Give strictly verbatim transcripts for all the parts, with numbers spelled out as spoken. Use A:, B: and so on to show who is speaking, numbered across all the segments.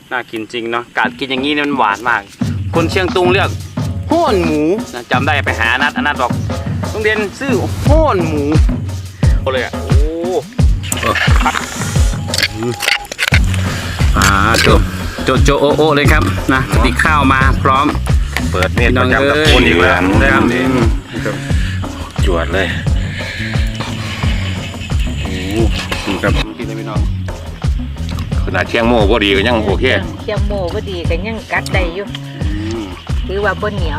A: น่ากินจริงเนาะการกินอย่างนี้มันหวานมากคนเชียงตุงเรียกห้อนหมูนะจำได้ไปหาอนัทอนัทบอกโรงเรียนซื้อห้อนหมูโอ้เลยอ่ะโอ้พัดอ่าโจโจโจโอโอเลยครับนะติข้าวมาพร้อม
B: เปิดเน็ตประจำกับคนอีกแล้ว
A: ครับ
B: จวดเลย
A: โอ้ครับกินได้ไม่น้อง
B: ขนาดเชียงโม่ก็ดีก็ยังโอเค
C: เชียงโม่ก็ดีก็ยังกัดได้อยู่ถือว่าบนเหนียว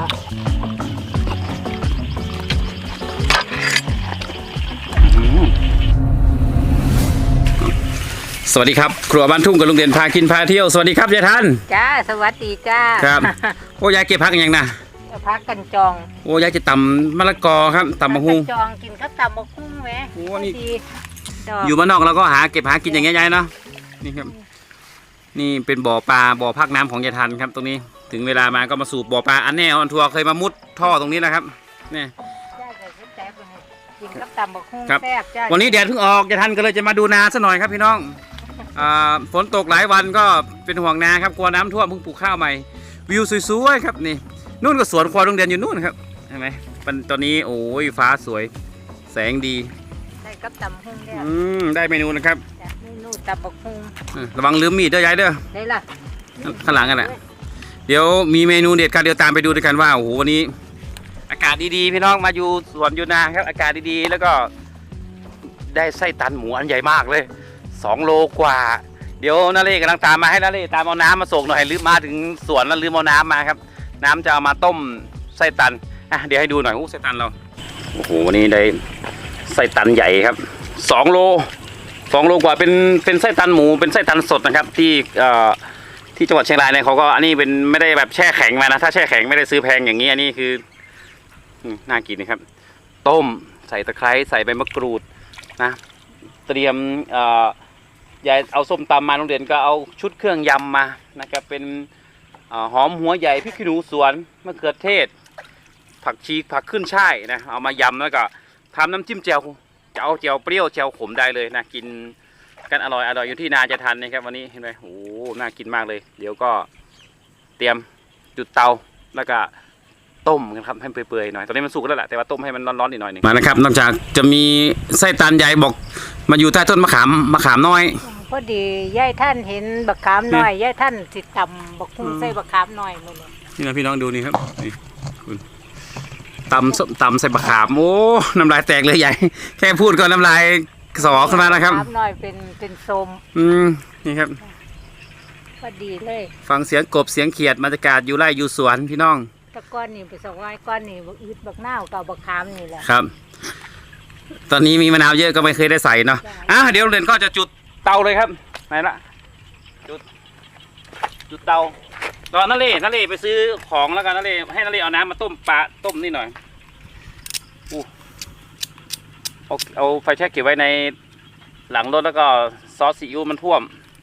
A: สวัสดีครับครัวบ้านทุ่งกับลุงเด่นพากินพาเที่ยวสวัสดีครับยายทัน
C: จ้าสวัสดีจ้า
A: ครับโอ้ยายเก็บพักอย่างนะ
C: พักกันจอง
A: โอ้ยายจะตำมะละกอครับตำมะฮุ่ง
C: จองกินข้าวตำมะฮุ่งไหม
A: โอ้นี่อยู่บ้านนอกเราก็หาเก็บหากินอย่างเงี้ยยายเนาะนี่ครับนี่เป็นบ่อปลาบ่อพักน้ำของยายทันครับตรงนี้ถึงเวลามาก็มาสูบบ่อปลาอันแน่ออนทัวร์เคยมามุดท่อตรงนี้นะครับนี่
C: กินข้าวตำมะฮุ่ง
A: แซ่บจ้าวันนี้แดดเพิ่งออกยายทันก็เลยจะมาดูนาซะหน่อยครับพี่น้องฝนตกหลายวันก็เป็นห่วงนาครับกลัวน้ำท่วมเพิ่งปลูกข้าวใหม่วิวสวยๆครับนี่นู่นก็สวนควายโรงเรียนอยู่นู่นครับเห็นไหมตอนนี้โอ้ยฟ้าสวยแสงดี
C: ได้กับตำฮุ่งแล้ว
A: อืมได้เมนูนะครับ
C: เมนูตำบักฮุ่ง
A: ระวังลืมมีดเด้อยายเด้อ
C: ได้ละ
A: ข้างหลังกันแหละเดี๋ยวมีเมนูเด็ดกันเดี๋ยวตามไปดูด้วยกันว่าโอ้โหวันนี้อากาศดีๆพี่น้องมาอยู่สวนอยู่นาครับอากาศดีๆแล้วก็ได้ไส้ตันหมูอันใหญ่มากเลยสองโลกว่าเดี๋ยวนาเล่กำลังตามมาให้นาเล่ตามเอาน้ำมาส่งหน่อยลืมมาถึงสวนแล้วลืมเอาน้ำมาครับน้ำจะเอามาต้มไส้ตันอ่ะเดี๋ยวให้ดูหน่อยโอ้ไส้ตันเราโอ้โหวันนี้ได้ไส้ตันใหญ่ครับสองโลสองโลกว่าเป็นเป็นไส้ตันหมูเป็นไส้ตันสดนะครับที่เอ่อที่จังหวัดเชียงรายเนี่ยเขาก็อันนี้เป็นไม่ได้แบบแช่แข็งมานะถ้าแช่แข็งไม่ได้ซื้อแพงอย่างนี้อันนี้คือน่ากินนะครับต้มใส่ตะไคร้ใส่ใบมะกรูดนะเตรียมเอ่อยายเอาส้มตำมาโรงเรียนก็เอาชุดเครื่องยำมานะครับเป็นหอมหัวใหญ่พริกขี้หนูสวนมะเขือเทศผักชีผักขึ้นช่ายนะเอามายำแล้วก็ทำน้ำจิ้มแจ่วจะเอาแจ่วเปรี้ยวแจ่วขมได้เลยนะกินกันอร่อยอร่อยอยู่ที่นาจะทันนะครับวันนี้เห็นไหมโอ้น่ากินมากเลยเดี๋ยวก็เตรียมจุดเตาแล้วก็ต้มกันครับให้เปื่อยๆหน่อยตอนนี้มันสุกแล้วแหละแต่ว่าต้มให้มันร้อนๆอีกหน่อยหนึ่งมานะครับนอกจากจะมีไส้ตันใหญ่บอกมาอยู่ใต้ต้นมะขามมะขามน้อย
C: พอดียายท่านเห็นบักขามน้อยยายท่านสิตำบักฮุ่งใส่บักขามน้อยนู่น
A: นี่นะพี่น้องดูนี่ครับนี่คุณตำส้มตำใส่บักขามโอ้น้ำลายแตกเลยใหญ่แค่พูดก็น้ำลายสอขึ้นมาแล้วครับ
C: บักขามน้อยเป็นเป็นส้ม
A: อืมนี่ครับ
C: พอดีเลย
A: ฟังเสียงกบเสียงเขียดบรรยากาศอยู่ไร่อยู่สวนพี่น้อง
C: ตะก้อนนี่ไปสองร้อยก้อนนี่บักอึดบักหน้ากับบักขามนี่แหละ
A: ครับตอนนี้มีมะนาวเยอะก็ไม่เคยได้ใส่เนาะอ่ะเดี๋ยวเรนก็จะจุดเตาเลยครับไหนละจุดจุดเตาตอนนั่นเลยนั่นเลยไปซื้อของแล้วกันนั่นเลยให้นั่นเลยเอาน้ำมาต้มปลาต้มนี่หน่อยอู้เอาเอาไฟแช็กเก็บไว้ในหลังรถแล้วก็ซอสซีอิ๊วมันท่วม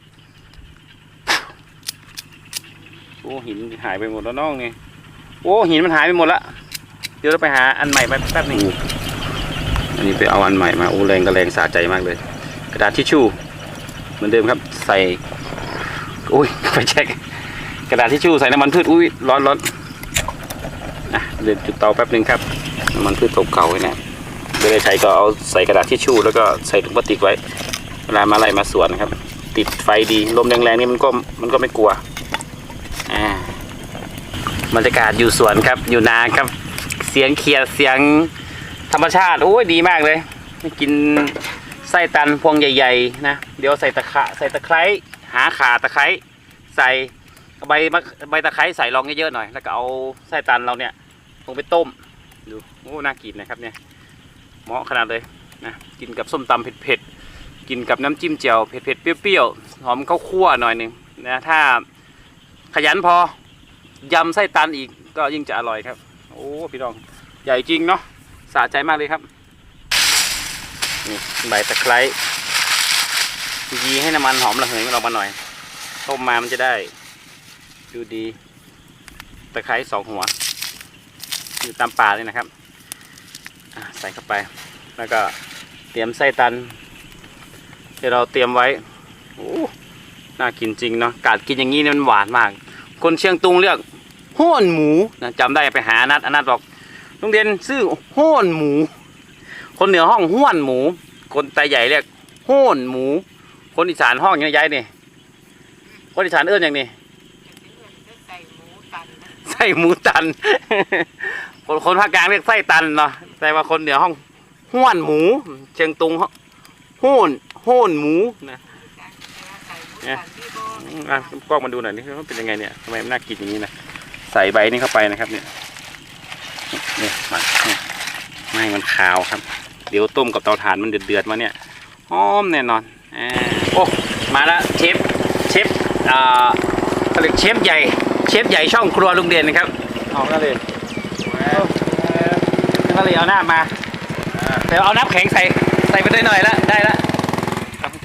A: โอ้หินหายไปหมดแล้วน้องนี่โอ้หินมันหายไปหมดละเดี๋ยวเราไปหาอันใหม่มาแป๊บนึงอันนี้ไปเอาอันใหม่มาโอ้แรงก็แรงสะใจมากเลยกระดาษทิชชู่เหมือนเดิมครับใส่อุ้ยไฟแช็กกระดาษทิชชู่ใส่น้ำมันพืชอุ้ยร้อนร้อนอ่ะเดี๋ยวจุดเตาแป๊บนึงครับน้ำมันพืชเก่าๆไว้นะไม่ได้ใช้ก็เอาใส่กระดาษทิชชู่แล้วก็ใส่ถุงพลาสติกไว้เวลามาไล่มาสวนครับติดไฟดีลมแรงๆนี่มันก็มันก็ไม่กลัวอ่าบรรยากาศอยู่สวนครับอยู่นาครับเสียงเขียดเสียงธรรมชาติโอ้ยดีมากเลยกินไส้ตันพวงใหญ่ๆนะเดี๋ยวใส่ตะขะใส่ตะไคร้หาขาตะไคร้ใส่ใบใบตะไคร้ใส่ลองเยอะๆหน่อยแล้วก็เอาไส้ตันเราเนี่ยลงไปต้มดูโอ้น่ากินนะครับเนี่ยเหมาะขนาดเลยนะกินกับส้มตำเผ็ดๆกินกับน้ำจิ้มแจ่วเผ็ดๆเปรี้ยวๆหอมข้าวคั่วหน่อยหนึ่งนะถ้าขยันพอยำไส้ตันอีกก็ยิ่งจะอร่อยครับโอ้พี่น้องใหญ่จริงเนาะสะใจมากเลยครับนี่ใบตะไคร้ยีให้น้ำมันหอมระเหยมันออกมาหน่อยต้มมามันจะได้ดูดีตะไคร้สองหัวอยู่ตามป่าเลยนะครับใส่เข้าไปแล้วก็เตรียมไส้ตันที่เราเตรียมไว้โอ้น่ากินจริงเนาะกาดกินอย่างนี้เนี่ยมันหวานมาก คนเชียงตุงเรียกห้อนหมูนะจำได้ไปหาอนัทอนัทบอกโรงเรียนชื่อห้อนหมู คนเหนือห้องห้วนหมู คนไตใหญ่เรียกห้อนหมู คนอีสานห้องยังไงนี่คนอีสานเอื้อนอย่างนี้ไส้หมูตัน คนคนภาคกลางเรียกไส้ตันเนาะแต่ว่าคนเหนือห้องห้วนหมู เชียงตุงห้อนห้อนหมูนะเนี่ยอ่ะกล้องมาดูหน่อยนี่มันเป็นยังไงเนี่ยทำไมมันน่ากินอย่างนี้นะใส่ใบนี้เข้าไปนะครับเนี่ยเนี่ยมันไม่มันขาวครับเดี๋ยวต้มกับเตาถ่านมันเดือดๆมาเนี่ยหอมแน่นอนอ่าโอ้มาแล้วเชฟเชฟอ่าเขาเรียกเชฟใหญ่เชฟใหญ่ช่องครัวลุงเด่นนะครับเอาหน้าเลยหน้าเลยเอาหน้ามาแต่เอาน้ำแข็งใส่ใส่ไปหน่อยๆแล้วได้แล้วครับโอเค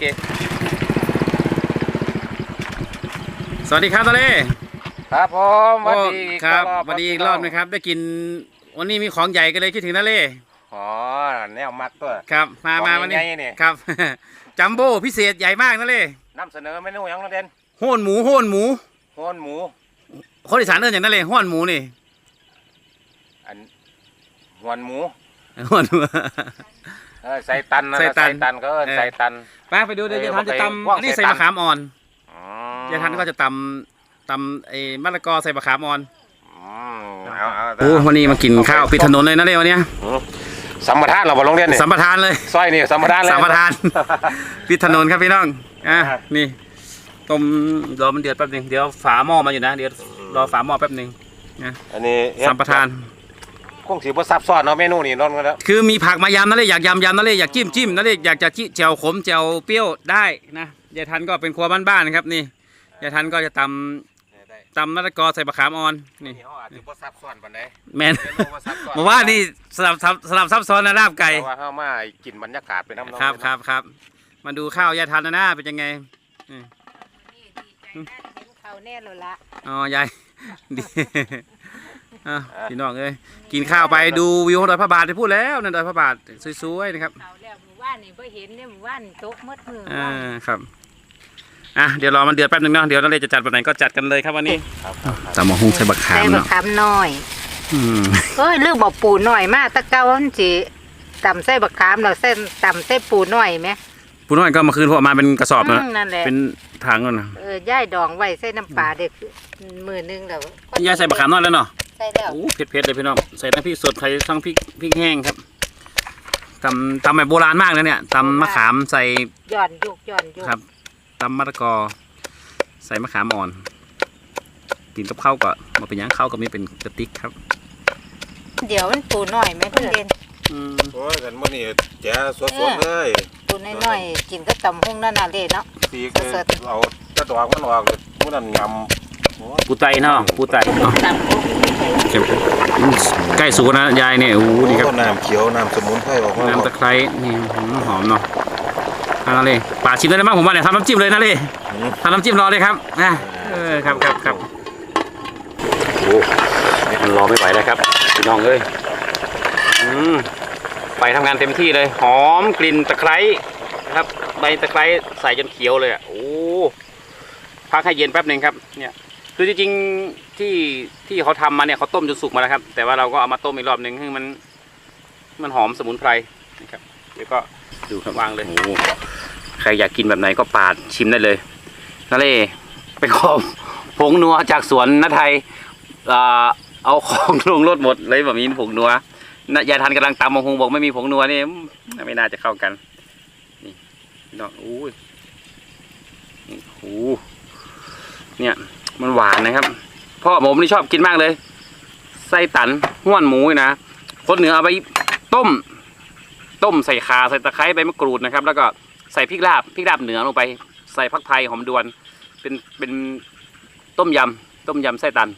A: สวัสดีครับตาเล่
B: ครับผมสวัสดี
A: ครับสวัสดีอีกรอบนะครับได้กินวันนี้มีของใหญ่ก็เลยคิดถึงตาเล่
B: อ๋อแนวมักตัว
A: ครับมามา
B: ของ
A: วันนี้
B: ใหญ่ๆนี่
A: ครับ จัมโบ้พิเศษใหญ่มากนะเล่
B: นำเสนอเมนูหยังน้องเด่น
A: โห่นหมูโห่นหมู
B: โหนหมู
A: คนอีสานเอิ้นอย่างนั้นเลยโห่นหมูนี่
B: อันหวนหมู
A: โห่นหมู
B: เออใส่ตันนะ
A: ใส่ตัน
B: ใส่ตันก็เออ
A: เออ
B: ใส่ตัน
A: ไปไปดูเดี๋ยว
B: เออ
A: ยายทันจะต
B: ว่าง
A: ำอันนี้
B: ใส่
A: ใส่
B: ตัน
A: มะขามอ่อน
B: อ๋อ
A: ยายทันก็จะตำตำไอ้มะละกอใส่มะขามอ่อน
B: อืมเอาเอา
A: โอ้วันนี้มากินข้าวปิดถนนเลยนะเล่วันเนี้ย
B: อืมสัมปทานเราบ่โรงเรียนนี่
A: สัมปทานเลย
B: ซอยนี่สัมปทานเลย
A: สัมปทาน ปิดถนนครับพี่น้องอ่ะ
B: อ่ะ
A: นี่ต้มรอมันเดือดแป๊บหนึงเดี๋ยวฝาหม้อมาอยู่นะเดี๋ยวรอฝาหม้อแป๊บหนึงนะ
B: อันนี้เฮ็ด
A: สัมปทาน
B: คงสิบ่ซับซ้อนเนาะเมนูนี่นอนกันแล้ว
A: คือมีผักมายำนั่นเลยอยากยำยำนั่นเลยอยากจิ้มจิ้มนั่นเลยอยากจะจิ้มแจ่วขมแจ่วเปรี้ยวได้นะยายทันก็เป็นครัวบ้านๆนะครับนี่ยายทันก็จะตำตำมะละกอใส่มะขามอ่อนนี่
B: นี่เฮาอาจสิบ่ซับซ้อนปานใด
A: แมน
B: เมนูบ่ซับซ้อน
A: บอกว่านี่สลับซับสลับซับซ้อนนะลาบไก่
B: เพราะว่าเฮามากินบรรยากาศไปนำเนาะ
A: ครับครับครับมาดูข้าวยายทันนะหน้าเป็นยังไงอืม
C: เขาแน่เลยละ
A: อ๋อยาย ดีอ่ะพี่น้องเอ้ยกินข้าวไปดูวิวของดอยพระบาทไปพูดแล้วนั่นดอยพระบาทสวยๆนะครับ
C: เขาแล้วหมู่บ้านนี่บ่เห็นเนี่ยหมู่บ้านโต๊ะมืดมือ
A: อ่าครับอ่ะเดี๋ยวรอมันเดือดแป๊บนึงเนาะเดี๋ยวนั่นเลยจะจัดวันไหนก็จัดกันเลยครับวันนี้
B: ครับครับ
A: ตำมะฮุ่งใส่บักขาม
C: ใส่บะ
A: เนาะ
C: ขามน้อย
A: อืม
C: เอ้ยลืมบอกปูน้อยมากตะเกามันสิตำใส่บะขามเราเส้นตำใส่ปูน้อยไหม
A: ผู้น้อยก็มาคืนพวกมาเป็นกระสอบ
C: อื
A: นะ
C: มนั่นแหละ
A: เป็นถังนั่นนะ
C: เออย่ายดองไว้ใส่น้ำปลาเด็กมือนึงแล้ว
A: ยายใส่บักขามน้อยแล้วเนาะ
C: ใส่แล้ว
A: โอ้เผ็ดๆเลยพี่น้องใส่ทั้งพริกสดใส่ทั้งพริกพริกแห้งครับตำตำแบบโบราณมากเลยเนี่ยตำมะขามใส่
C: ย่อนยุกย่อนยุก
A: ครับตำมะละกอใส่มะขามอ่อนกินกับข้าวก็มาเป็นหยังข้าวก็มีเป็นกระติกครับ
C: เดี๋ยวมันปูน้อยไหมเพื่อนเด่น
A: อืม
B: โอ้ยกันมื้อนี้แจ๋สดๆเลย
C: ปูน้อยๆกินก็ตำหุ่งนั่นน่ะเลยเนาะ
B: ปีกเลยเอาจะดอกมันออกเลยมื้อนั้นยำโอ้ย
A: ปูไตเนาะปูไตเนาะ
C: ตำหุ่ง
A: เก็บอืมใกล้สุกนะยายเนี่ยโอ้โหนี่ครับ
B: น้ำเขียวน้ำสมุนไพรออกมา
A: น้ำตะไคร้นี่หืมหอมเนาะเอาละเลยป่าชิมได้ไหมผมว่าเนี่ยทำน้ำจิ้มเลยนะเลยทำน้ำจิ้มรอเลยครับนะเออครับครับครับโอ้มันรอไม่ไหวแล้วครับพี่น้องเอ้ยอืมไฟทำงานเต็มที่เลย หอมกลิ่นตะไคร้นะครับใบตะไคร้ใส่จนเขียวเลยอ่ะโอ้พักให้เย็นแป๊บหนึ่งครับเนี่ยคือจริงๆที่ที่เขาทำมาเนี่ยเขาต้มจนสุกมาแล้วครับ แต่ว่าเราก็เอามาต้มอีกรอบหนึ่งให้มันมันหอมสมุนไพรนะครับเดี๋ยวก็ดูครับวางเลยโอ้ใครอยากกินแบบไหนก็ปาดชิมได้เลยนั่นเลยไปขอผงนัวจากสวนนาไทยอ่าเอาของลงรถหมดเลยแบบนี้ผงนัวยายทันกำลังตำมงคงบอกไม่มีผงนัวนี่ไม่น่าจะเข้ากันนี่น้องอู้ยนี่โอ้เนี่ยมันหวานนะครับพ่อผมนี่ชอบกินมากเลยไส้ตันห้วนหมูนะคนเหนือเอาไปต้มต้มใส่ข่าใส่ตะไคร้ใบมะกรูดนะครับ แล้วก็ใส่พริกลาบพริกลาบเหนือลงไปใส่ผักไทยหอมดวนเป็นเป็นต้มยำต้มยำไส้ตัน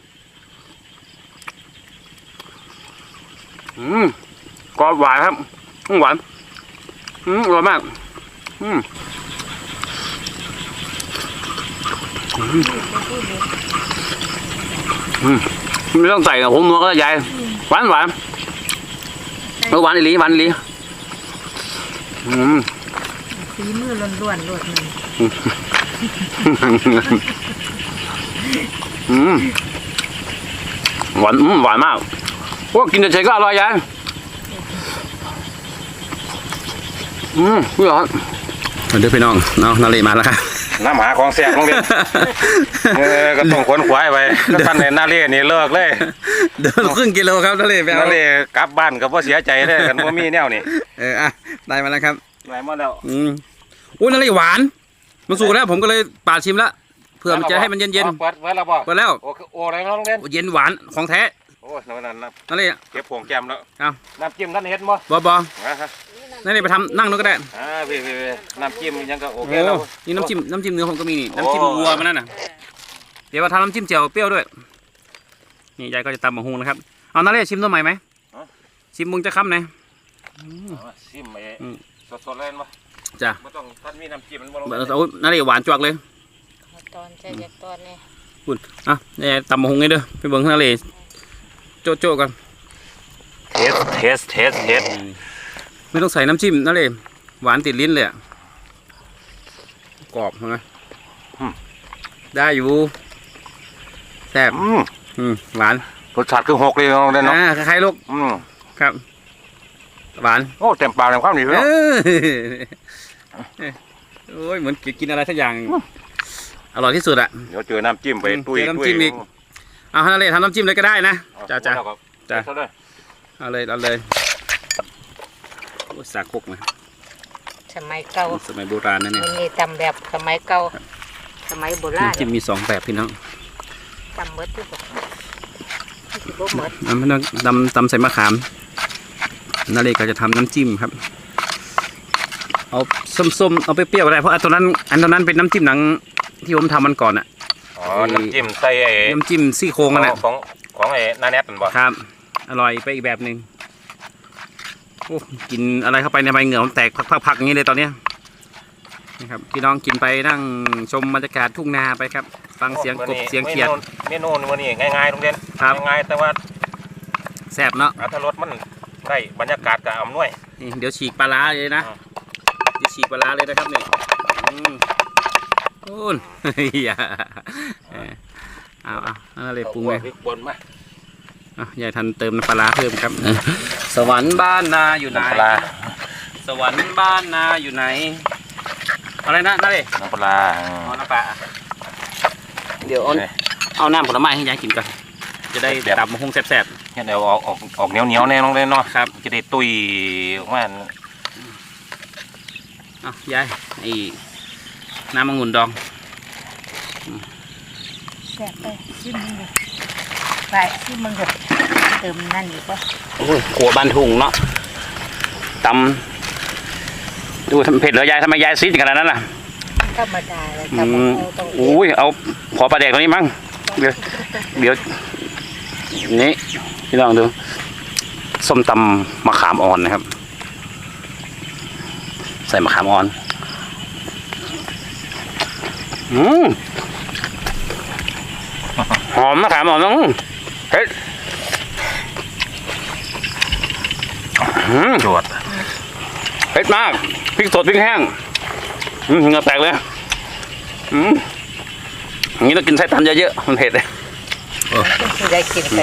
A: อืมกรอบหวานครับอืมหวานอืมอร่อยมากอืมอืมอืมไม่ต้องใส่ผงนัวก็ได้ยายหวานหวานเออหวานอีหลีหวานอีหลีอืม
C: ฝีมือล้วนๆล้วน
A: อืมหวานอืมหวานมากโอ้กินเฉยๆก็อร่อยยายอืมพี่หรอเดี๋ยวพี่น้องเนาะนาเลมาแล้วครับ
B: น้ำหาของแซ่บโรงเรียนเออก็ต้องขวนขวายไปก็ท่านในนาเล่นี่เลิกเลย
A: เดินครึ่งกิโลครับนาเลไปเอา
B: นาเล่กลับบ้านก็บ่เสียใจเลยกันว่ามีแนวนี่
A: เอออ่ะได้มาแล้วครับ
B: ไหนมาแล้ว
A: อืมอุ้ยนาเลหวานมันสุกแล้วผมก็เลยปาดชิมแล้วเพื่อมันจะให้มันเย็น
B: เปิดเปิดแล้วบ่
A: ๆไปแล้ว
B: โอ้โอ้อะไรน้องเล่น
A: เย็นหวานของแท้
B: โอ้ยนั่นนั่น
A: นาเล
B: เก็บผงแก้มแล้ว
A: เอา
B: น้ำจิ้มท่านเห็นบ่
A: บอบอ
B: นะฮะ
A: นาเลไปทำนั่งนู้นก็ได้
B: อ่าพี่พี่น้ำจิ้มยังก็โอ
A: โอ้
B: เคแล้ว
A: นี่น้ำจิ้มน้ำจิ้มเนื้อผมก็มีนี่
B: โอ้
A: น้ำจิ้มวัวมันนั่นน่ะเดี๋ยวมาทำน้ำจิ้มเจียวเปรี้ยวด้วยนี่ยายก็จะตำมะฮุงนะครับเอานาเลชิมตัวใหม่ไหมชิมมึงจะค้ำไหน
B: ชิมไอ้
A: อืม
B: สดๆเลยบ่
A: จ้ะ
B: บ่ต้องท่านมีน้ำจิ้มมันบ่ลง
A: โอ้นาเลหวานจวกเลย
C: ตอนใช่จากตอนนี้
A: คุณอ่ะนี่ตำมะฮุงไงเด้อไปเบิ่งนาเลโจ๊ะโจ๊ะกัน
B: เทสเทสเทสเทส
A: ไม่ต้องใส่น้ำจิ้มนาเลหวานติดลิ้นเลยอะกรอบใช่ไหมได้อยู่แซ่บ
B: อืม
A: อืมหวาน
B: รสชาติคือหกเลยน้องเล่นเนาะ
A: อ่าคล้ายๆลูก
B: อืม
A: ครับหวาน
B: โอ้เต็มปากเต็มคำดีพี่
A: เอ
B: น้อง
A: อโอ้ยเหมือนกินอะไรสักอย่างอร่อยที่สุดอะ
B: เดี๋ยวเจอน้ำจิ้มไป
A: อืม
B: ตุ้ย
A: เจอน้ำ
B: ตุ้ย
A: จิ้มอีก เอาฮะนาเลทำน้ำจิ้มเลยก็ได้นะจ้าจ้า
B: เอา
A: จ้ะ
B: เอาเลย
A: เอาเลยเอาเลยโอ้ยสากคกนะ
C: สมัยเก่า
A: สมัยโบราณนะเนี่ย
C: มันมีตำแบบสมัยเก่าสมัยโบราณ
A: น้ำจิ้มมีสองแบบพี่น้อง
C: ตำเบิดทุกคนที่บ่หมด
A: น้ำน้ำตำตำใส่มะขามนาเลก็จะทำน้ำจิ้มครับ เอาส้มๆเอาไปเปรี้ยวก็ได้เพราะอันตัวนั้นอันตัวนั้นเป็นน้ำจิ้มหนังที่ผมทำมันก่อนอะ
B: อ๋อน้ำจิ้มใส่ไอ้
A: น้ำจิ้มซี่โครงกันแหละ
B: ของของไอ้นาแนทนั่นบ่
A: ครับ อร่อยไปอีกแบบหนึ่งโอ้กินอะไรเข้าไปในใบเหงื่อมันแตกพักๆๆอย่างนี้เลยตอนเนี้ยนะครับพี่น้องกินไปนั่งชมบรรยากาศทุ่งนาไปครับ ฟังเสียงกบเสียงเขียด
B: เมนูวันนี้ง่ายๆโรงเรียน
A: ครับ
B: ง่ายๆแต่ว่า
A: แซ่บเนาะ
B: อรรถรสมันได้บรรยากาศกับอำนวย
A: นี่เดี๋ยวฉีกปลาร้าเลยนะ
B: อ่า
A: เดี๋ยวฉีกปลาร้าเลยนะครับเนี่ยอืมโอ้น อย่าเออเอาเอาเอาอะไรปรุงไป
B: พริกป่นมา
A: อ่ะยายทันเติมน้ำปลาร้าเพิ่มครับ สวรรค์บ้านนาอยู่ไหน
B: น้ำปลา
A: สวรรค์บ้านนาอยู่ไหนอะไรนะนั่นเลย
B: น้ำปลา
A: เอาน้ำปลาเดี๋ยวเอาเอาน้ำผลไม้ให้ยายกินก่อนจะได้ตับมะฮุงแซ่บ
B: เฮ็ดเอาออกออกออกเหนียวเหนียวๆแน่น้องเล่นเนาะ
A: ๆครับ
B: จะได้ตุยออกมา
A: เอายายไอ้น้ำมะงุ่นดอง
C: แซ่บไปชิมมึงเลยไปชิมมึงเลยเติมนั่นอีกว่า
A: โอ้ยขัวบานถุงเนาะตำดูทำเผ็ดเหรอยายทำไมยายซีดขนาดนั้นล่ะ
C: ธรรมดาเลย
A: อื
C: แต่
A: ม
C: เอาต้อง
A: อุ้ยเอาขอปลาแดกตรงนี้มั้งเดี๋ยวเดี๋ยวนี่พี่ลองดูส้มตำมะขามอ่อนนะครับ ใส่มะขามอ่อนอืมหอมมะขามอ่อนน้องเฮ้ยอืม
B: จวด
A: เผ็ดมากพริกสดพริกแห้งอืมเหงือแตกเลยอืมอย่างนี้ต้องกินไส้ตันเยอะๆมันเผ็ดเลย
C: ที่ได้กินไป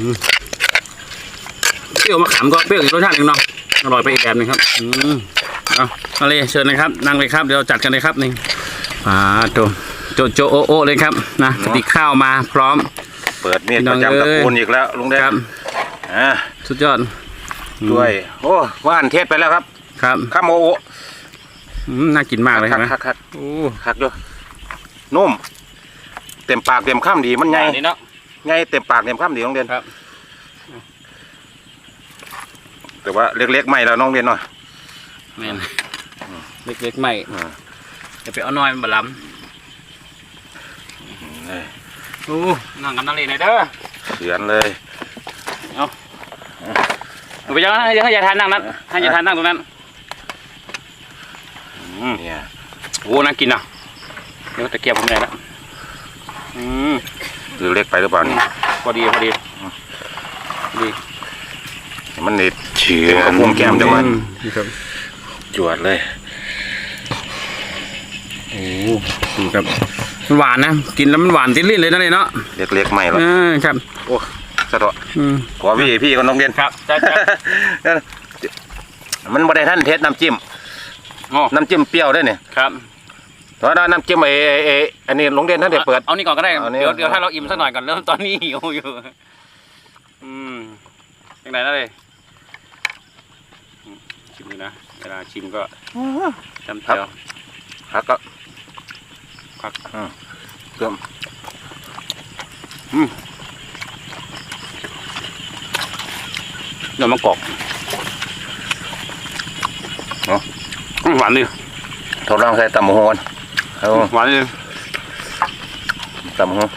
A: เปรี้ยวมะขามก็เปรี้ยวอีกรสชาติหนึ่งเนาะอร่อยไปอีกแบบหนึงครับอืมเอามาเลยเชิญนะครับนั่งเลยครับเดี๋ยวจัดกันเลยครับนี่อ่าโจโจโจโอโอเลยครับนะกระติกข้าวมาพร้อม
B: เปิดมีด
A: พี่น้
B: ป
A: อง
B: ระจำตระ
A: เอ้ย
B: กูลอีกแล้วลุงเด่น
A: ครับ
B: อ่า
A: สุดยอด
B: ด้วยโอ้ว่านเทศไปแล้วครับ
A: ครับ
B: ข้ามโอโอ
A: อืมน่ากินมากเลย
B: คั
A: ใช่ไหม
B: คักคัก
A: โอ้
B: คักด้วยนุ่มเต็มปากเต็มข้ามดีมันไง
A: นี่เนาะ
B: ไงเต็มปากเต็มข้ามดีน้องเด่น
A: ครับ
B: แต่ว่าเล็กๆไม่แล้วน้องเด่นเนาะ
A: แม่นเล็กๆใหม่
B: อ่า
A: จะไปเอาน้อยมันบล้
B: นี่
A: ำโอ้นั่งกันนั่งเลยหน่อยเด้อ
B: เขือนเลย
A: ไปยังให้ให้ยายทานนั่งนั้นให้ยายทานนั่งตรงนั้นอืม
B: เนี่ย
A: โอ้น่ากินอ่ะเดี๋ยวตะเกียบผมไหนละอืม
B: หรือเล็กไปหรือเปล่านี่
A: พอดีพอดีดี
B: มันนี่เฉือนกับพุ่มแก้มจังหวะ
A: นี่ครับ
B: จวดเลย
A: โอ้นี่ครับมันหวานนะกินแล้วมันหวานติดลิ้นเลยนะเลยเนาะ
B: เล็กๆใหม่หรอ
A: อ่าครับ
B: โอ้สะดวก
A: อืม
B: ขอพี่พี่ก็น้องเรียน
A: ครับใช่ใช่
B: มันบ่ได้ท่านเทสน้ำจิ้ม
A: อ๋อ
B: น้ำจิ้มเปรี้ยวด้วยเนี่ย
A: ครับ
B: เพราะว่าน้ำจิ้มไอ้ไอ้อันนี้โรงเรียนท่านเด็เปิด
A: เอานี่ก่อนก็ได้
B: เอานี่
A: เดี๋ยวเดี๋ยวถ้าเราอิ่มสักหน่อยก่อนเริ่มตอนนี้หิวอยู่อืมยังไงนะเลยอืมชิมดูนะเวลาชิมก็จำเจียว
B: ครับก็
A: ครับ
B: อืมเพิ่ม
A: เดี๋ยวมะกอกอืมหวานดิ
B: ทดลองใส่ตำบักหุ่งก่อนเอา
A: หวานดิ
B: ตำบักหุ่ง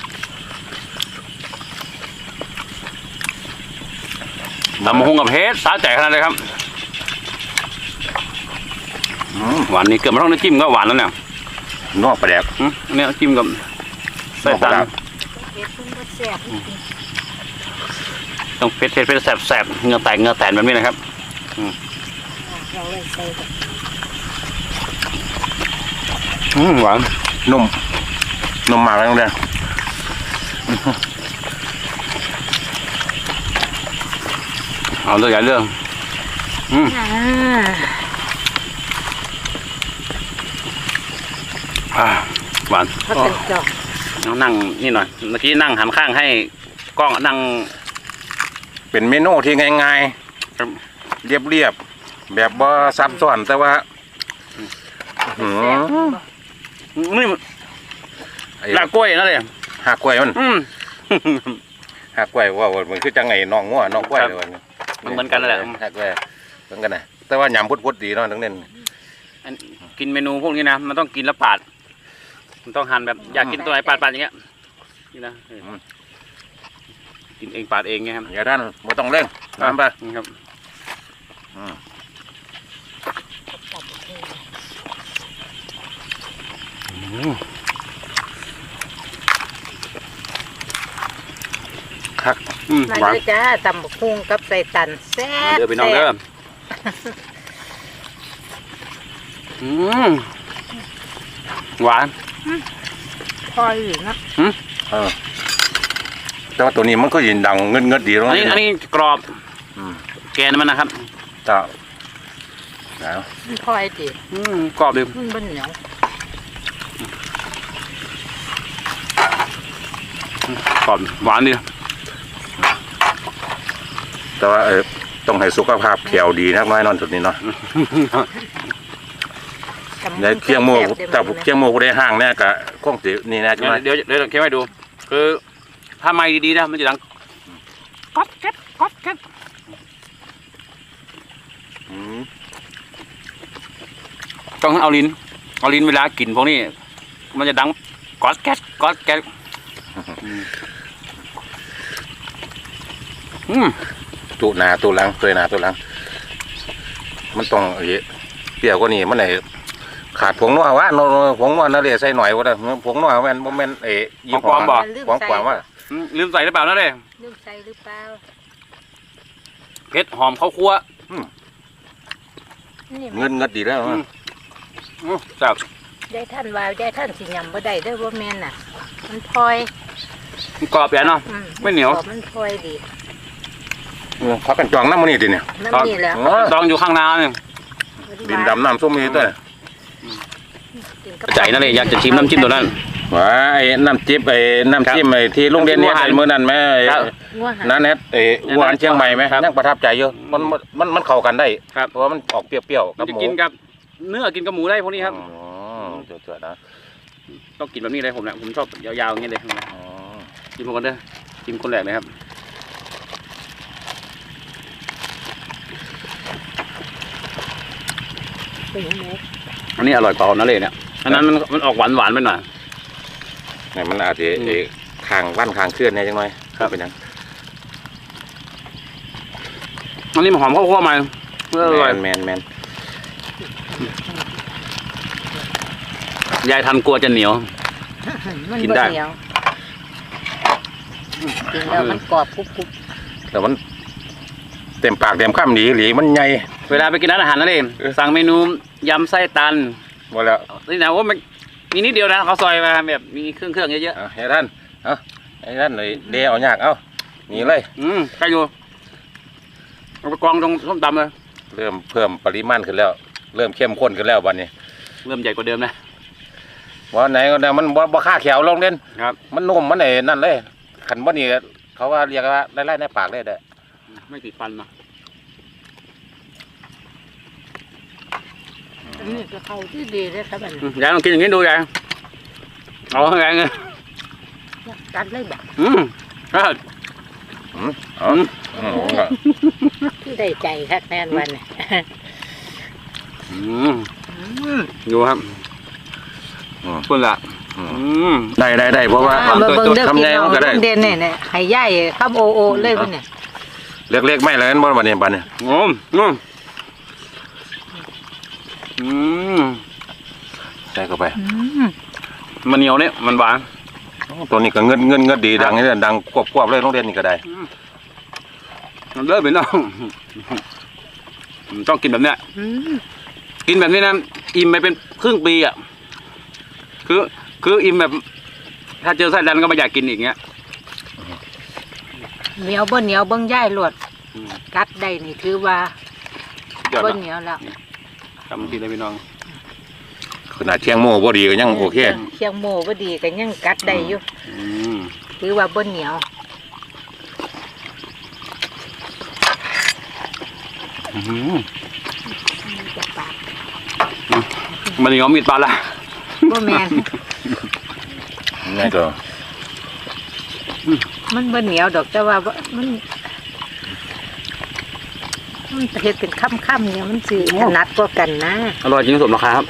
A: ตำมะฮุงกับเพชรสาแจกขนาดเลยครับ
B: อืม
A: หวานนี่เกิดมาต้องน้ำจิ้มก็หวานแล้วเนี่ย
B: นอกปลาแดก
A: อืมอันนี้จิ้มกับไส้ตัน
B: ครับ
C: เฮ็ดเพิ่นบ่แซ่บจริง
A: ต้องเผ็ดเผ็ดเผ็ดแสบแสบเหงือแตกเหงือแตนแบบนี้นะครับ
C: ๆเราเลยใส่แบบ
A: อืมหวาน
B: นุ่มนุ่มมากเลยโรงเรียน
A: เอาเรื่องใหญ่เรื่องอืม
C: อ่า
A: อ่าหวาน
C: เขาเป็นจอก
A: เอานั่งนี่หน่อยเมื่อกี้นั่งหันข้างให้กล้องนั่ง
B: เป็นเมนูที่ง่ายๆเรียบๆแบบบ่ซับซ้อนแต่ว่าอื้อหือ
A: นี่
B: ไอ้
A: ลากกล้วยนั่นเลย
B: หักกล้วยมัน
A: อืม
B: หักกล้วยว่ามันคือจังไงน้องงัวน้องกล้วย
A: ครับ
B: เลย
A: มันเหมือนกันนั่นแหละ
B: หักกล้วยเหมือนกันนะแต่ว่ายำพุดๆดีเนาะทั้งเน้น
A: อันกินเมนูพวกนี้นะมันต้องกินแล้วปาด มันต้องหั่นแบบอยากกินตัวไหนปาดปาดอย่างเงี้ยนี่นะเออกินเองปาดเองไงครับ
B: อย่าท่านบ่ต้องเร่งตามไป
A: นี่ครับ
B: อืมคัก
A: อืม
C: มา
A: หวาน
C: เลยจ้าตำบักหุ่งกับใส่ตันแซ่บ
A: เด้อพี่น้องเด้ออืมหวาน
C: พออยู่นะ
B: เออแต่ว่าตัวนี้มันก็ยินดังเงินเงินดีแล้ว
A: อันนี้อันนี้กรอบ
B: อืม
A: แกนมันนะครับ
B: จ้าแล้ว
C: มันพอยดิ
A: อืมกรอบดิ
C: มันบ่เหนียว
A: กรอบหวานดิ
B: แต่ว่าเออต้องให้สุขภาพแขวดีนักน้อยนอนจุดนี้เนาะ
C: ตำบัก
B: ใน
C: หุ่ง
B: เคียงโม
C: แซ่บๆ
B: แต่
C: ได้
B: เคียงโมกูได้ห้างเนี่ยกะคงสินี่นะ
A: เดี๋
B: ใช่
A: ยว
B: ไหม
A: เดี๋ยวเดี๋ยวเก็บให้ดู คือถ้าไม่ดีๆนะมันจะดังก๊อดแก๊ดก๊อดแก๊ด
B: อืม
A: ต้องเอาลิ้นเอาลิ้นเวลากินพวกนี้ มันจะดังก๊อดแก๊ดก๊อดแก๊ดอืม
B: ตุหนาตุหลังเคยหนาตุหลัง มันต้องเอ้เปรี้ยวกว่านี้มันไหนขาดผงนัววะโนผงนัวนั่นเลยใส่หน่อยว่าได้ผงนัวแม่นบ่แม่นเอ๋ยี่ห้อของกว่าว่า
A: อืมลืมใส่หรือเปล่านะเด้
C: ลืมใส่หรือเปล่า
A: เผ็ดหอมข้าวคั่ว
C: นี่
B: เงินเงินดีแล้ว
A: อืมอืมจับ
C: ยายท่านว่ายายท่านสิยำบ่ได้เด้อบ่แม่นน่ะ มันพลอย
A: กรอบใหญ่เนาะ
C: อื
A: ไม่เหนียว
C: กรอบมันพลอยดี
B: พักกันจองน้ำมันนี่ดิเนี่ย
C: น้ำนี่แหล้ว
A: ตองอยู่ข้างนาเนี่ย
B: ดินดำน้ำส้มนี่ด้วย
A: ใจนั่นเลยอยากจะชิมน้ำจิ้มตัวนั้น
B: ว่าไอ้น้ำจิ้มไอ้น้ำจิ้มไอ้ที่โรงเรียนเนี่ยไอ้มื้อนั้นแม่ไอ้
A: ครับ
C: งัวหัน
B: นั่นแหละไอ้หวานเชียงใหม่ไหม
A: ครับ
B: ยังประทับใจอยู่มันมันมันเข้ากันได้
A: ครับ
B: เพราะว่ามันออกเปรี้ยวๆ
A: มั
B: กัน บ
A: จะ
B: หมู
A: กินกับเนื้อกินกับหมูได้พวกนี้ครับ
B: อ๋อเจ๋อๆนะ
A: ต้องกินแบบนี้เลยผมเนี่ยผมชอบยาวๆอย่างเงี้ยเลย
B: อ๋อ
A: กินพวกกันเด้อกินคนแรกเลยครับอันนี้อร่อยกว่านั่นเลยเนี่ยอันนั้นมันมันออกหวานหวานๆไปหน่อย
B: เนี่ยมันอาจจะ
A: อืม
B: ไอ้คางวันคางเคลื่อนเนี่ยจังหน่อย
A: ครับ
B: เป็นหยัง
A: อันนี้มันหอมข้าวคั่วมาอร่อย
B: แมนแมน
A: ยายทันกลัวจะเหนียว
C: มัน
A: กิน
C: บ่
A: ได้
C: เหนียวกินแล้วมันกรอบกรุบ
B: แต่มันเต็มปากเต็มคำหนีหลีมันใหญ่
A: เวลาไปกินร้านอาหารนั่นเอง
B: เออ
A: สั่งเมนูยำไส้ตัน
B: หมดแล้ว
A: นี่นะว่ามันมีนิดเดียวนะเขาซอยมาแบบมีเครื่องเครื่องเยอะ
B: เอาให้ท่านเอาให้ท่านเลยเดเอายากเอานี่เลย
A: ๆอืมใครอยู่เอาไปกองตรงส้มตำเลย
B: เริ่มเพิ่มปริมาณขึ้นแล้ว เริ่มเข้มข้นขึ้นแล้ววันนี้
A: เริ่มใหญ่กว่าเดิมนะ
B: วันไหนก็ได้มันบ่บ่ค่าแขวลงเล่น
A: ครับ
B: มันนุ่มมันไอ้นั่นเลยขันบ่นี่เขาว่าเรียกว่าไล่ๆในปากเลยเด้อ
A: ไม่ติดฟันนะ
C: อันนี้ก็เข้าที่ดีเลยครับอัน
A: อืมยายลองกินอย่างนี้ดูยายเอาให้ยายไง
C: กัดเลยแบบ
A: อืมก็
B: อืมเอาอืม
C: ที่ได้ใจครับแน่นวันนี้
A: อืมดูครับคุณละ
B: อืม
A: อืม
B: ได้ได้ได้เพราะว่า
C: มาเบิ่งเด้อ
B: ทำ
C: พี่
B: ไง
C: น้อง
B: มันก็ได้
C: ลุงเด่นเนี่ยเนี่ยให้ย่ายคำโอโอเลยวันนี้
B: เล็กๆไม่เลยนั่นบ่บัดนี้บัดนี้
A: งมงมอืม
B: ใส่เข้าไป
A: มันเหนียวเนี่ยมันหวาน
B: ตัวนี้ก็เงินเงินเงินดีดังนี่แหละดังควบๆเลยโรงเรียนนี่ก็ได้
A: มันเลิศไปน้องต้องกินแบบเนี้ย
C: อืม
A: กินแบบนี้นะอิ่มไปเป็นครึ่งปีอ่ะคือคืออิ่มแบบ ถ้าเจอไส้ดันก็ไม่อยากกินอีกเงี้ย
C: เหนียวบ่เหนียวเบิ่งย่ายหลวด
A: อืม
C: กัดได้นี่ถือว่าย
A: อด
C: บ่
A: เนาะ
C: เหนียวแล้ว
A: ทำทีเลยพี่น้อง
B: ขนาดเชียงโม่บ่ดีก็ยังโอเค
C: เคียงโม่บ่ดีก็ยังกัดได้อยู่
A: อืม
C: ถือว่าบ่เหนียว
A: อื้อหือ
C: จะปาก
A: มันเหนียวมีดปลาละ
C: บ่แม่น
B: นี่ก็
C: มันบ่เหนียวดอกแต่ว่าบ่มันมันเฮ็ดเป็นค่ำๆเนี่ยมันสิถนัดกว่ากันนะ
A: อร่อยจริงสมราคาครับ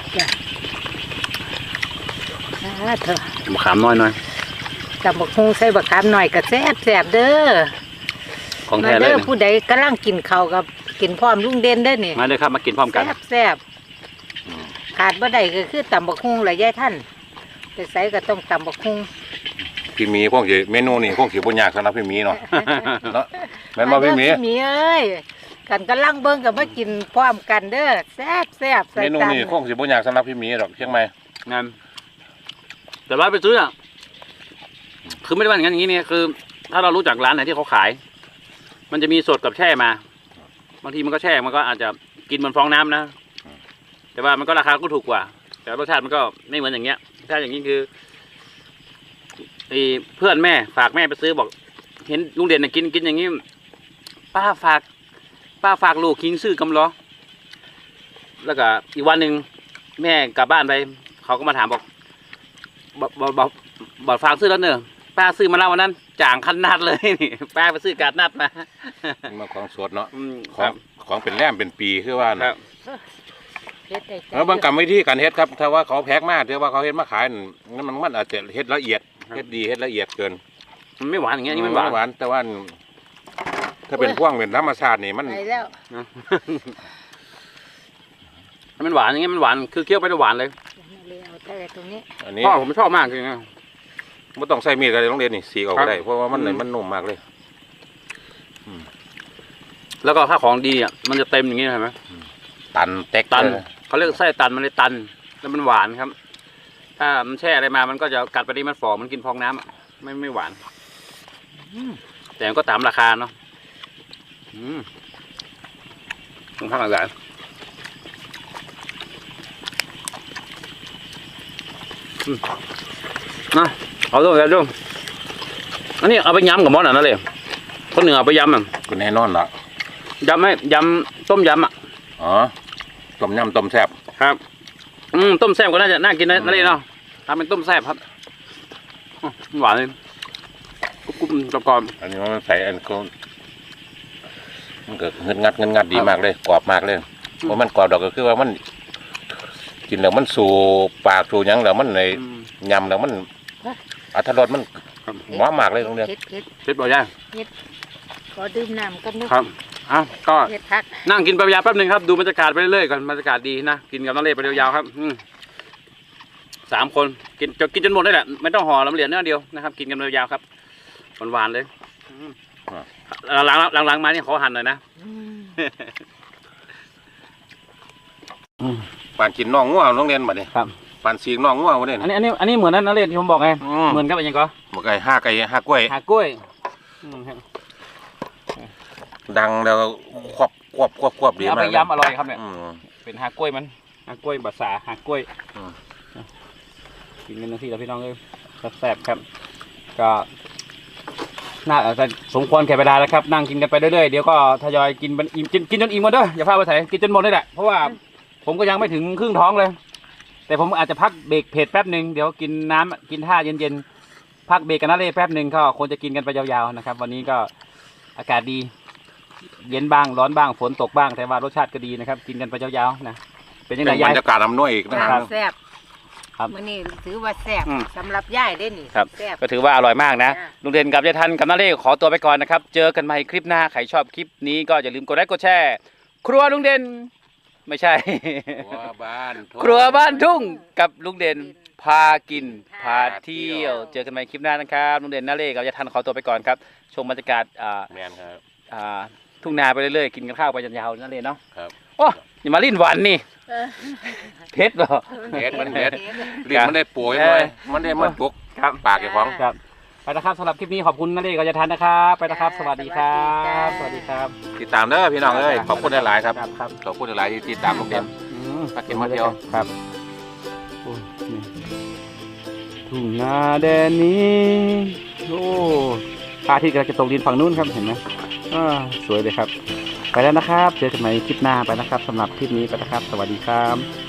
C: อ่าเถอะ
A: มะขามน้อยหน่อย
C: กับบักฮุงใส่บักขามหน่อยก็แซ่บแซ่บเด้อ
A: ของ
C: มา
A: แท้เล
C: เด้
A: ย
C: อ
A: เนี่ย
C: ผู้ใดกำลังกินข้าวกับกินพร้อมลุงเด่นเด้อนี่
A: มาเลยครับมากินพร้อมกัน
C: แซ่บแซ่บขาดบ่ได้ก็คือตำบักฮุงแหละยายท่านไปใส่ก็ต้องตำบักฮุง
B: พี่หมีคงสิเมนูนี่คงสิบ่ยากสำหรับพี่หมีเนาะเนาะแม่นบ่พี่หมี
C: าเด้อพี่หมีเอ้ยกันกำลังเบิ่งก็มากินพร้อมกันเด้อแซ่บแซ่บใส่
B: เมนู
C: ตำ
B: นี่คงสิบ่ยากสำหรับพี่หมีดอกเชียงใหม่
A: งานแต่ว่าไปซื้ออ่ะคือไม่ได้ว่าอย่างนั้นอย่างนี้เนี่ยคือ ถ้าเรารู้จักร้านไหนที่เขาขาย มันจะมีสดกับแช่มา บางทีมันก็แช่มันก็อาจจะกินเหมันฟองน้ำนะแต่ว่ามันก็ราคาก็ถูกกว่า แต่รสชาติมันก็ไม่เหมือนอย่างเงี้ยถ้าอย่างนี้คือไอ้เพื่อนแม่ฝากแม่ไปซื้อบอก เห็นลุงเด่นน่ะกินกินอย่างนี้ป้าฝาก ป้าฝากลูกคิงซื้อกำล้อแล้วก็อีกวันหนึ่งแม่กลับบ้านไป เขาก็มาถามบอกบอกบอกบอกบอกฝากซื้อแล้วเนอะป้าซื้อมาแล้ววันนั้นจ่างคันนัดเลย นี่ป้าไปซื้อการนัดมา
B: มาของสดเนาะ
A: อืม
B: ข
A: ค
B: อ
A: รั
B: ง
A: บ
B: ของเป็นแรมเป็นปีคือว่า
A: ครั
B: นะ
A: บ
C: เฮ็ดได้ใจ
B: แล้วบางกรรมวิธีการเฮ็ดครับถ้าว่าเขาแพ็กมาถือว่าเขาเฮ็ดมาขายนั่นมันมันอาจจะเฮ็ดละเอียดเฮ็ดดีเฮ็ดละเอียดเกิน
A: มันไม่หวานอย่างเงี้ยนี่มันหวาน
B: หวานแต่ว่าถ้าเป็นพวกเป็นธรรมชาตินี่มัน
C: ไปแล้ว
A: มันหวานอย่างเงี้ยมันหวานคือเคี้ยวไปแล้วหวานเลย
C: เลยเอาแต่ตรงนี้
B: อันนี้
A: พ่อผมชอบมากจริงๆ
B: ไม่ต้องใส่มีดกันเลยต้องเรียนนี่สีออก
A: ครั
B: ก็
A: บ
B: ได้เพราะว่ามัน
A: อืม
B: มันนุ่มมากเลย
A: แล้วก็ถ้าของดีอ่ะมันจะเต็มอย่างงี้เห็นไหม
B: ตันเต็ก
A: ตัน
B: เลย
A: เขาเรียกไส้ตันมันเลยตัน แล้วมันหวานครับ ถ้ามันแช่อะไรมามันก็จะกัดไปนี่มันฝ่อมันกินฟองน้ำอะไม่ไม่หวาน แต่มันก็ตามราคาเนาะอืมต้องพักหลายอืมนะเอาด้วยเอาด้วยอันนี้เอาไปยำกับมอสอ่ะนั่นเลยคนหนึ่งเอาไปยำอ่ะ
B: ก็แน่นอนละ
A: ยำไหมยำต้มยำอ่ะ
B: อ๋อต้มยำต้มแซ่บ
A: ครับ อืมต้มแซ่บก็น่าจะน่ากินนะนั่นเลยเนาะทำเป็นต้มแซ่บครับอื้อหวานเลยกรุบๆกรอบ
B: อันนี้มันใส่อันก็มันก็เงินงัดเงินงัดดีมากเลยกรอบมากเลยเพราะมันกรอบดอกก็คือว่ามัน กินแล้วมันสู่ปากสู่หยังแล้วมันใน
A: ๆอืม
B: ยำแล้วมันอัตรสมัน
A: ครับ
B: หวานมากเลยตรงเนี้ย
C: เฮ็ดเฮ็ด
A: เผ็ดบ่อยย่าง
C: ขอดื่มน้ำกันเด้อ
A: ครับอ่ะก็
C: เฮ็ดทัก
A: นั่งกินไปยาวๆแป๊บหนึ่งครับดูบรรยากาศไปเรื่อยๆก่อนบรรยากาศดีนะกินกับน้องเล่ไปยาวๆครับอืมสามคนกินจะกินจนหมดเลยแหละไม่ต้องห่อลำเหลียญเนื้อเดียวนะครับ กินกันยาวๆครับหวานๆเลยอืมหลังๆหลังๆมานี่ขอหั่นหน่อยนะ
C: อืม
B: ปานกินน่องงัวโรงเรียนบัดนี้
A: ครับ
B: ปันสีน้องงัววะเนี่ย
A: อันนี้อันนี้อันนี้เหมือนนั้นนะเรศที่ผมบอกไง
B: อืม
A: เหมือนกับอะไรก็
B: หมกไก่ห้าไก่ห้ากล้วย
A: หากล้วยอืมครับ
B: ดังแล้วควบควบควบควบดี
A: เอา
B: มา
A: ไป
B: ก
A: ย้ำอร่อยครับเนี่ย
B: อืม
A: เป็นหากล้วยมันหากล้วยบะสาหากล้วย
B: อืม
A: กินกันทั้งที่แล้วพี่น้องเลยแซ่บๆครับ ก็น่าจะสมควรแก่เวลาแล้วครับนั่งกินกันไปเรื่อยๆเดี๋ยวก็ทยอยกินมันอิ่มกินกินจนอิ่มหมดเด้ออย่าพลาดไปใส่กินจนหมดเลยแหละเพราะว่าผมก็ยังไม่ถึงครึ่งท้องเลย แต่ผมอาจจะพักเบรกเผ็ดแป๊บหนึ่งเดี๋ยวกินน้ำกินท่าเย็นๆพักเบรกกันนะเลยแป๊บหนึ่งก็คงจะกินกันไปยาวๆนะครับ วันนี้ก็อากาศดี เย็นบ้างร้อนบ้างฝนตกบ้างแต่ว่ารสชาติก็ดีนะครับ กินกันไปยาวๆนะเป็นยัง
B: เป็
A: ไง
B: นบร
A: ยาย
B: รยากาศอำนวยอีกนะ
C: จ้า
B: ครับ
C: แซ่บ
A: ครับ
C: มื้อนี้ถือว่าแซ่บ
A: อืม
C: สำหรับย่ายเด้นี่
A: ครับ
C: แซ่บ
A: ก็ถือว่าอร่อยมากนะ
C: จ้ะ
A: ลุงเด่นกับยายทันกับน้าเล่ขอตัวไปก่อนนะครับ เจอกันใหม่คลิปหน้าใครชอบคลิปนี้ก็อย่าลืมกดไลค์กดแชร์ครัวลุงเด่นไม่ใช่
B: ครัวบ้านทุ่ง
A: ครัวบ้านทุ่งกับลุงเด่นพากินพาเที่ยว เจอกันใหม่คลิปหน้านะครับลุงเด่นน้าเล่กับยายทันขอตัวไปก่อนครับชมบรรยากาศอ่า
B: แมนครับ
A: อ่าทุ่งนาไปเรื่อยๆกินกันข้าวไปยาวๆนั่นเลยเนาะ
B: ครับ
A: โอ้ยมาลิ้นหวานนี่เพชรเหรอ
B: เฮ็ดมันเฮ็ด
A: ครับ
B: ลิ้นมันได้ป่วยเลยมันได้มันปุก
A: ครับ
B: ปากไอ้ของ
A: ครับไปนะครับสำหรับคลิปนี้ขอบคุณนั่นเองกับยายทันนะครับไปนะครับ สวัสดีครับสวัสดีครับ
B: ติดตามเด้อพี่น้องเอ้ยขอบคุณหลายๆครับ
A: ครับ
B: ขอบคุณหลายๆที่ติดตามลูกเด่น
A: อืม
B: มากินมาเที่ยว
A: ครับโอ้ยนี่ทุ่งนาแดนนี้โอ้พระอาทิตย์กำลังจะตกดินฝั่งนู้นครับเห็นไหมอ่าสวยเลยครับ ไปแล้วนะครับเจอกันใหม่คลิปหน้าไปนะครับสำหรับคลิปนี้ไปนะครับ สวัสดีครับ